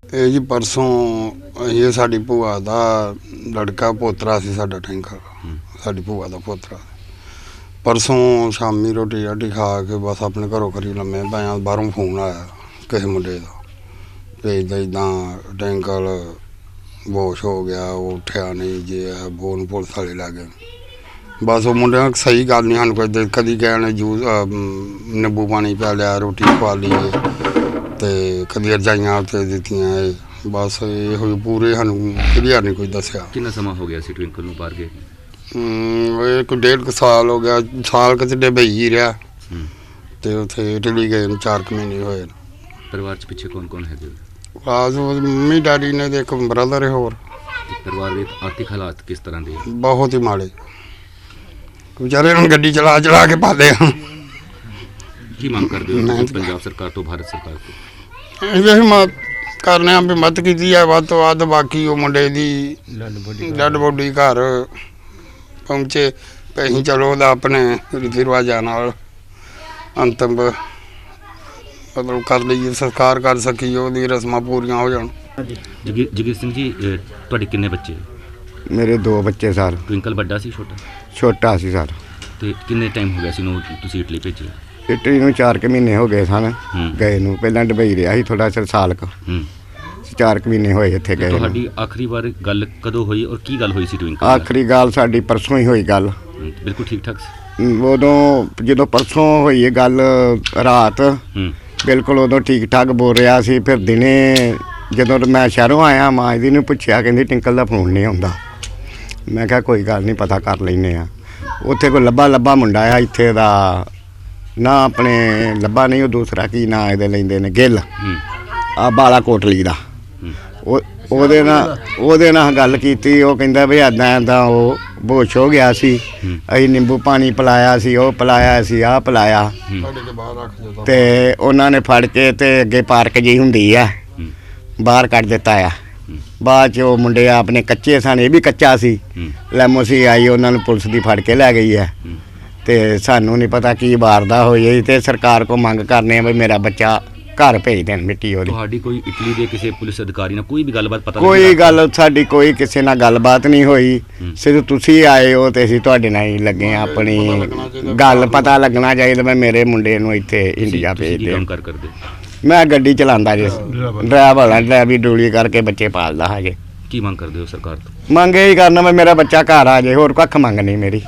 ਇਹ ਜੀ ਪਰਸੋਂ ਇਹ ਸਾਡੀ ਭੂਆ ਦਾ ਲੜਕਾ ਪੋਤਰਾ ਸੀ ਸਾਡਾ ਟੈਂਕਰ ਸਾਡੀ ਭੂਆ ਦਾ ਪੋਤਰਾ ਪਰਸੋਂ ਸ਼ਾਮੀ ਰੋਟੀ ਰਾਟੀ ਖਾ ਕੇ ਬਸ ਆਪਣੇ ਘਰੋਂ ਕਰੀ ਲੰਮੇ ਪਿਆ ਬਾਹਰੋਂ ਫੋਨ ਆਇਆ ਕਿਸੇ ਮੁੰਡੇ ਦਾ ਵੀ ਇੱਦਾਂ ਟੈਂਕਰ ਬੇਹੋਸ਼ ਹੋ ਗਿਆ ਉਹ ਉੱਠਿਆ ਨਹੀਂ ਜੇ ਬੋਨ ਪੁਲਿਸ ਵਾਲੇ ਲੱਗ ਗਏ ਬਸ ਉਹ ਮੁੰਡਿਆਂ ਸਹੀ ਗੱਲ ਨਹੀਂ ਸਾਨੂੰ ਕੋਈ ਕਦੀ ਕਹਿਣ ਜੂਸ ਨਿੰਬੂ ਪਾਣੀ ਪਿਆ ਲਿਆ ਰੋਟੀ ਖਵਾ ਲਈ ਤੇ ਕਦੀ ਰਜਾਈਆਂ ਉੱਤੇ ਦਿੱਤੀਆਂ ਬਸ ਇਹੋ ਹੀ ਪੂਰੇ ਸਾਨੂੰ ਕਲੀਅਰ ਨਹੀਂ ਕੋਈ ਦੱਸਿਆ। ਕਿੰਨਾ ਸਮਾਂ ਹੋ ਗਿਆ ਸੀ ਟਵਿੰਕਲ ਨੂੰ ਬਾਹਰ ਗਏ? ਇਹ ਕੋਈ 1.5 ਸਾਲ ਹੋ ਗਿਆ ਸਾਲ ਕਿਤੇ ਡੁਬਈ ਹੀ ਰਿਹਾ ਤੇ ਉੱਥੇ ਇਟਲੀ ਗਏ ਨੂੰ 4 ਮਹੀਨੇ ਹੋਏ। ਪਰਿਵਾਰ 'ਚ ਪਿੱਛੇ ਕੌਣ ਹੈਗੇ? ਬਸ ਮੰਮੀ ਡੈਡੀ ਨੇ ਤੇ ਇੱਕ ਬ੍ਰਦਰ ਹੈ ਹੋਰ। ਪਰਿਵਾਰ ਦੇ ਆਰਥਿਕ ਹਾਲਾਤ ਕਿਸ ਤਰ੍ਹਾਂ ਦੇ? ਬਹੁਤ ਹੀ ਮਾੜੇ ਵਿਚਾਰੇ ਹੁਣ ਗੱਡੀ ਚਲਾ ਕੇ ਪਾਲੇ ਆ। ਕੀ ਮੰਗ ਕਰਦੇ ਹੋ ਪੰਜਾਬ ਸਰਕਾਰ ਤੋਂ ਭਾਰਤ ਸਰਕਾਰ ਤੋਂ? ਇਹ ਕਰਨੇ ਆ ਵੀ ਮਦਦ ਕੀਤੀ ਹੈ ਵੱਧ ਤੋਂ ਵੱਧ ਬਾਕੀ ਉਹ ਮੁੰਡੇ ਦੀ ਡੈਡ ਬੋਡੀ ਘਰ ਪਹੁੰਚੇ ਅਸੀਂ ਚਲੋ ਉਹਦਾ ਆਪਣੇ ਰੀਤੀ ਰਿਵਾਜਾਂ ਨਾਲ ਅੰਤਮ ਮਤਲਬ ਕਰ ਲਈਏ ਸੰਸਕਾਰ ਕਰ ਸਕੀਏ ਉਹਦੀ ਰਸਮਾਂ ਪੂਰੀਆਂ ਹੋ ਜਾਣ। ਜਗੀਰ ਸਿੰਘ ਜੀ ਤੁਹਾਡੇ ਕਿੰਨੇ ਬੱਚੇ? ਮੇਰੇ 2 ਬੱਚੇ ਸਰ। ਟਵਿੰਕਲ ਵੱਡਾ ਸੀ ਛੋਟਾ ਸੀ ਸਰ। ਤੇ ਕਿੰਨੇ ਟਾਈਮ ਹੋ ਗਿਆ ਸੀ ਨੂੰ ਤੁਸੀਂ ਇਟਲੀ ਭੇਜਿਆ? ਇਟਲੀ ਨੂੰ 4 ਮਹੀਨੇ ਹੋ ਗਏ ਸਨ ਗਏ ਨੂੰ। ਪਹਿਲਾਂ ਡੁਬਈ ਰਿਹਾ ਸੀ ਥੋੜਾ ਚਿਰ ਸਾਲ ਕੁ 4 ਮਹੀਨੇ ਹੋਏ ਇੱਥੇ ਗਏ। ਤੁਹਾਡੀ ਆਖਰੀ ਵਾਰ ਗੱਲ ਕਦੋਂ ਹੋਈ ਔਰ ਕੀ ਗੱਲ ਹੋਈ ਸੀ ਟਵਿੰਕਲ? ਆਖਰੀ ਗੱਲ ਸਾਡੀ ਪਰਸੋਂ ਹੀ ਹੋਈ ਗੱਲ। ਬਿਲਕੁਲ ਠੀਕ ਠਾਕ ਸੀ ਉਦੋਂ ਜਦੋਂ ਪਰਸੋਂ ਹੋਈ ਇਹ ਗੱਲ ਰਾਤ ਬਿਲਕੁਲ ਉਦੋਂ ਠੀਕ ਠਾਕ ਬੋਲ ਰਿਹਾ ਸੀ। ਫਿਰ ਦਿਨੇ ਜਦੋਂ ਮੈਂ ਸ਼ਹਿਰੋਂ ਆਇਆ ਮਾਂ ਜੀ ਨੂੰ ਪੁੱਛਿਆ ਕਹਿੰਦੀ ਟਿੰਕਲ ਦਾ ਫੋਨ ਨਹੀਂ ਆਉਂਦਾ। ਮੈਂ ਕਿਹਾ ਕੋਈ ਗੱਲ ਨਹੀਂ ਪਤਾ ਕਰ ਲੈਂਦੇ ਆ। ਉੱਥੇ ਕੋਈ ਲੱਭਾ ਮੁੰਡਾ ਆ ਇੱਥੇ ਦਾ ਨਾ ਆਪਣੇ ਲੱਭਾ ਨਹੀਂ ਉਹ ਦੂਸਰਾ ਕੀ ਨਾਂ ਇਹਦੇ ਲੈਂਦੇ ਨੇ ਗਿੱਲ ਆ ਬਾਲਾ ਕੋਟਲੀ ਦਾ ਉਹਦੇ ਨਾਲ ਗੱਲ ਕੀਤੀ। ਉਹ ਕਹਿੰਦਾ ਵੀ ਇੱਦਾਂ ਉਹ ਬੇਹੋਸ਼ ਹੋ ਗਿਆ ਸੀ ਅਸੀਂ ਨਿੰਬੂ ਪਾਣੀ ਪਿਲਾਇਆ ਸੀ ਉਹ ਪਿਲਾਇਆ ਸੀ ਆਹ ਪਿਲਾਇਆ ਤੇ ਉਹਨਾਂ ਨੇ ਫੜ ਕੇ ਤੇ ਅੱਗੇ ਪਾਰਕ ਜਿਹੀ ਹੁੰਦੀ ਆ ਬਾਹਰ ਕੱਢ ਦਿੱਤਾ ਆ। ਬਾਅਦ 'ਚ ਉਹ ਮੁੰਡੇ ਆਪਣੇ ਕੱਚੇ ਸਨ ਇਹ ਵੀ ਕੱਚਾ ਸੀ ਲੈਮੋਸੀ ਆਈ ਉਹਨਾਂ ਨੂੰ ਪੁਲਿਸ ਦੀ ਫੜ ਕੇ ਲੈ ਗਈ ਹੈ ਤੇ ਸਾਨੂੰ ਨਹੀਂ ਪਤਾ ਕੀ ਵਾਰਦਾ ਹੋਈ ਤੇ ਸਰਕਾਰ ਕੋ ਮੰਗ ਕਰਨੇ ਆ ਵੀ ਮੇਰਾ ਬੱਚਾ ਘਰ ਭੇਜ ਦੇਣ ਮਿੱਟੀ ਉਹਦੀ। ਤੁਹਾਡੀ ਕੋਈ ਇਟਲੀ ਦੇ ਕਿਸੇ ਪੁਲਿਸ ਅਧਿਕਾਰੀ ਨਾਲ ਕੋਈ ਵੀ ਗੱਲਬਾਤ ਪਤਾ? ਕੋਈ ਗੱਲ ਸਾਡੀ ਕੋਈ ਕਿਸੇ ਨਾਲ ਗੱਲਬਾਤ ਨਹੀਂ ਹੋਈ। ਸਿਰਫ ਤੁਸੀਂ ਆਏ ਹੋ ਤੇ ਅਸੀਂ ਤੁਹਾਡੇ ਨਾਲ ਹੀ ਲੱਗੇ ਆ। ਆਪਣੀ ਗੱਲ ਪਤਾ ਲੱਗਣਾ ਚਾਹੀਦਾ ਮੈਂ ਮੇਰੇ ਮੁੰਡੇ ਨੂੰ ਇੱਥੇ ਇੰਡੀਆ ਭੇਜ ਦੇ। ਮੈਂ ਗੱਡੀ ਚਲਾਉਂਦਾ ਜੀ ਡਰਾਈਵਰੀ ਡੂਲੀ ਕਰਕੇ ਬੱਚੇ ਪਾਲਦਾ ਹਜੇ। ਕੀ ਮੰਗ ਕਰਦੇ ਹੋ ਸਰਕਾਰ ਤੋਂ? ਮੰਗ ਇਹ ਕਰਨਾ ਮੈਂ ਮੇਰਾ ਬੱਚਾ ਘਰ ਆ ਜਾਏ ਹੋਰ ਕੱਖ ਮੰਗ ਨਹੀਂ ਮੇਰੀ।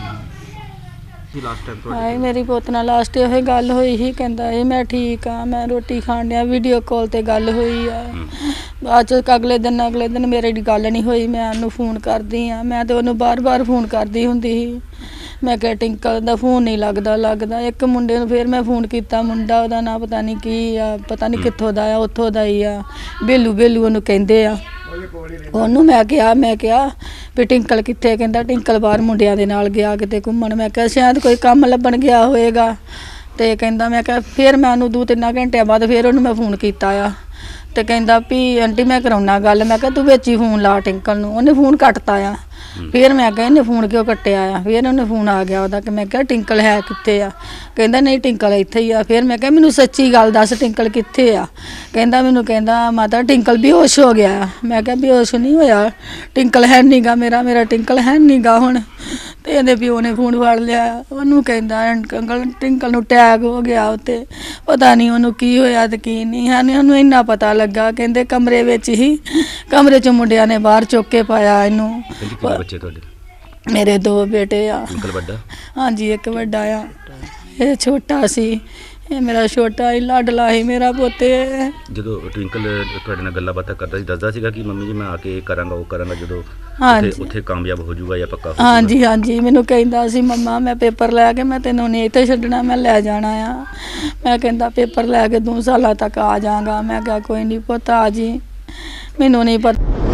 ਮੇਰੀ ਪੁੱਤ ਨਾਲ ਲਾਸਟ ਇਹ ਗੱਲ ਹੋਈ ਸੀ ਕਹਿੰਦਾ ਮੈਂ ਠੀਕ ਆ ਮੈਂ ਰੋਟੀ ਖਾਣ ਡਿਆ ਵੀਡੀਓ ਕਾਲ ਤੇ ਗੱਲ ਹੋਈ ਆ। ਬਾਅਦ 'ਚ ਅਗਲੇ ਦਿਨ ਮੇਰੇ ਦੀ ਗੱਲ ਨਹੀਂ ਹੋਈ। ਮੈਂ ਉਹਨੂੰ ਫੋਨ ਕਰਦੀ ਆ ਮੈਂ ਤੇ ਉਹਨੂੰ ਬਾਰ ਫੋਨ ਕਰਦੀ ਹੁੰਦੀ ਸੀ। ਮੈਂ ਕਿਹਾ ਟਿੰਕਲ ਦਾ ਫੋਨ ਨਹੀਂ ਲੱਗਦਾ। ਇੱਕ ਮੁੰਡੇ ਨੂੰ ਫਿਰ ਮੈਂ ਫੋਨ ਕੀਤਾ ਮੁੰਡਾ ਉਹਦਾ ਨਾਂ ਪਤਾ ਨਹੀਂ ਕੀ ਆ ਪਤਾ ਨਹੀਂ ਕਿੱਥੋਂ ਦਾ ਆ ਉੱਥੋਂ ਦਾ ਹੀ ਆ ਬੇਲੂ ਉਹਨੂੰ ਕਹਿੰਦੇ ਆ। ਉਹਨੂੰ ਮੈਂ ਕਿਹਾ ਵੀ ਟਿੰਕਲ ਕਿੱਥੇ? ਕਹਿੰਦਾ ਟਿੰਕਲ ਬਾਹਰ ਮੁੰਡਿਆਂ ਦੇ ਨਾਲ ਗਿਆ ਕਿਤੇ ਘੁੰਮਣ। ਮੈਂ ਕਿਹਾ ਸ਼ਾਇਦ ਕੋਈ ਕੰਮ ਲੱਭਣ ਗਿਆ ਹੋਏਗਾ ਤੇ ਕਹਿੰਦਾ ਮੈਂ ਕਿਹਾ ਫਿਰ ਮੈਂ ਉਹਨੂੰ 2-3 ਘੰਟਿਆਂ ਬਾਅਦ ਫਿਰ ਉਹਨੂੰ ਮੈਂ ਫੋਨ ਕੀਤਾ ਆ ਤੇ ਕਹਿੰਦਾ ਵੀ ਆਂਟੀ ਮੈਂ ਕਰਾਉਣਾ ਗੱਲ। ਮੈਂ ਕਿਹਾ ਤੂੰ ਵਿੱਚ ਹੀ ਫੋਨ ਲਾ ਟਿੰਕਲ ਨੂੰ। ਉਹਨੇ ਫੋਨ ਕੱਟਤਾ ਆ। ਫਿਰ ਮੈਂ ਕਿਹਾ ਇਹਨੇ ਫੋਨ ਕਿਉਂ ਕੱਟਿਆ ਆ? ਫਿਰ ਉਹਨੇ ਫੋਨ ਆ ਗਿਆ ਉਹਦਾ ਕਿ ਮੈਂ ਕਿਹਾ ਟਿੰਕਲ ਹੈ ਕਿੱਥੇ ਆ? ਕਹਿੰਦਾ ਨਹੀਂ ਟਿੰਕਲ ਇੱਥੇ ਹੀ ਆ। ਫਿਰ ਮੈਂ ਕਿਹਾ ਮੈਨੂੰ ਸੱਚੀ ਗੱਲ ਦੱਸ ਟਿੰਕਲ ਕਿੱਥੇ ਆ? ਮੈਨੂੰ ਕਹਿੰਦਾ ਮਾਤਾ ਟਿੰਕਲ ਬੇਹੋਸ਼ ਹੋ ਗਿਆ। ਮੈਂ ਕਿਹਾ ਬੇਹੋਸ਼ ਨਹੀਂ ਹੋਇਆ ਟਿੰਕਲ ਹੈ ਨਹੀਂ ਗਾ ਮੇਰਾ ਟਿੰਕਲ ਹੈ ਨਹੀਂ ਗਾ ਹੁਣ। ਤੇ ਇਹਦੇ ਪਿਓ ਨੇ ਫੋਨ ਫੜ ਲਿਆ ਉਹਨੂੰ ਕਹਿੰਦਾ ਅੰਕਲ ਟਿੰਕਲ ਨੂੰ ਅਟੈਕ ਹੋ ਗਿਆ ਉੱਤੇ ਪਤਾ ਨਹੀਂ ਉਹਨੂੰ ਕੀ ਹੋਇਆ ਤੇ ਕੀ ਨਹੀਂ ਹੈ ਉਹਨੂੰ ਇੰਨਾ ਪਤਾ ਲੱਗਾ। ਕਹਿੰਦੇ ਕਮਰੇ ਵਿੱਚ ਹੀ ਕਮਰੇ 'ਚ ਮੁੰਡਿਆਂ ਨੇ ਬਾਹਰ ਚੁੱਕ ਕੇ ਪਾਇਆ ਇਹਨੂੰ। ਬੱਚੇ ਤੁਹਾਡੇ? ਮੇਰੇ 2 ਬੇਟੇ ਆ। ਵੱਡਾ? ਹਾਂਜੀ ਇੱਕ ਵੱਡਾ ਆ ਇਹ ਛੋਟਾ ਸੀ। ਇਹ ਮੇਰਾ ਛੋਟਾ ਹੀ ਲਾਡਲਾ ਸੀ ਮੇਰਾ ਪੋਤੇ। ਜਦੋਂ ਟਵਿੰਕਲ ਤੁਹਾਡੇ ਨਾਲ ਗੱਲਾਂ ਬਾਤਾਂ ਕਰਦਾ ਸੀ ਦੱਸਦਾ ਸੀਗਾ ਕਿ ਮੰਮੀ ਜੀ ਮੈਂ ਆ ਕੇ ਕਰਾਂਗਾ ਉਹ ਕਰਾਂਗਾ ਜਦੋਂ ਉੱਥੇ ਕਾਮਯਾਬ ਹੋ ਜਾਊਗਾ ਜਾਂ ਪੱਕਾ? ਹਾਂਜੀ ਮੈਨੂੰ ਕਹਿੰਦਾ ਸੀ ਮੰਮਾ ਮੈਂ ਪੇਪਰ ਲੈ ਕੇ ਮੈਂ ਤੈਨੂੰ ਨਹੀਂ ਇੱਥੇ ਛੱਡਣਾ ਮੈਂ ਲੈ ਜਾਣਾ ਆ। ਮੈਂ ਕਹਿੰਦਾ ਪੇਪਰ ਲੈ ਕੇ 2 ਸਾਲਾਂ ਤੱਕ ਆ ਜਾਵਾਂਗਾ। ਮੈਂ ਕਿਹਾ ਕੋਈ ਨਹੀਂ ਪੁੱਤ ਆ ਜੀ ਮੈਨੂੰ ਨਹੀਂ ਪਤਾ।